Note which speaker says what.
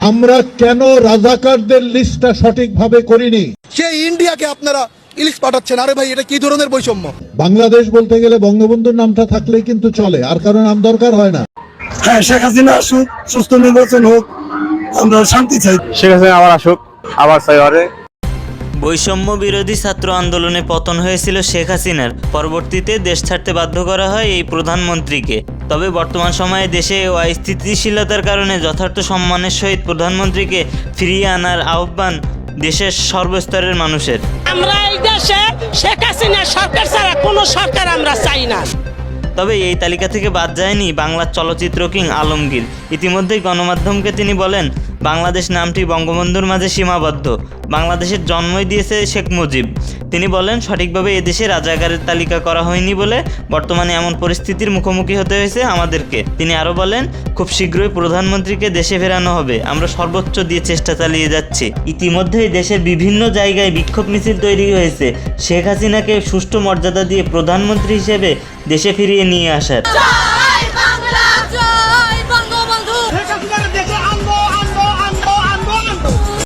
Speaker 1: আমরা কেন রাজাকারদের লিস্টটা সঠিকভাবে করিনি?
Speaker 2: সেই ইন্ডিয়াকে আপনারা ইলিশ পাঠাচ্ছেন। আরে ভাই, এটা কি ধরনের বৈষম্য?
Speaker 1: বাংলাদেশ বলতে গেলে বঙ্গবন্ধুর নামটা থাকলেই কিন্তু চলে, আর কারো নাম দরকার হয় না।
Speaker 3: হ্যাঁ, শেখ হাসিনা আসুক, সুস্থ নির্বাচন হোক, আমরা শান্তি চাই।
Speaker 4: শেখ হাসিনা আবার আসুক, আবার চাই আরে।
Speaker 5: বৈষম্য বিরোধী ছাত্র আন্দোলনে পতন হয়েছিল শেখ হাসিনার। পরবর্তীতে দেশ ছাড়তে বাধ্য করা হয় এই প্রধানমন্ত্রীকে। তবে বর্তমান সময়ে দেশে অস্থিতিশীলতার কারণে যথার্থ সম্মানের সহিত প্রধানমন্ত্রীকে ফিরিয়ে আনার আহ্বান দেশের সর্বস্তরের মানুষের।
Speaker 6: আমরা এই দেশে শেখ হাসিনা সরকার ছাড়া কোনো সরকার আমরা চাই না।
Speaker 5: তবে এই তালিকা থেকে বাদ যায়নি বাংলার চলচ্চিত্র কিং আলমগীর। ইতিমধ্যেই গণমাধ্যমকে তিনি বলেন, বাংলাদেশ নামটি বঙ্গবন্ধুর মাঝে সীমাবদ্ধ। বাংলাদেশের জন্মই দিয়েছে শেখ মুজিব। তিনি বলেন, সঠিকভাবে এদেশে রাজাকারের তালিকা করা হয়নি বলে বর্তমানে এমন পরিস্থিতির মুখোমুখি হতে হয়েছে আমাদেরকে। তিনি আরও বলেন, খুব শীঘ্রই প্রধানমন্ত্রীকে দেশে ফেরানো হবে। আমরা সর্বোচ্চ দিয়ে চেষ্টা চালিয়ে যাচ্ছি। ইতিমধ্যেই দেশের বিভিন্ন জায়গায় বিক্ষোভ মিছিল তৈরি হয়েছে শেখ হাসিনাকে সুষ্ঠু মর্যাদা দিয়ে প্রধানমন্ত্রী হিসেবে দেশে ফিরিয়ে নিয়ে আসার।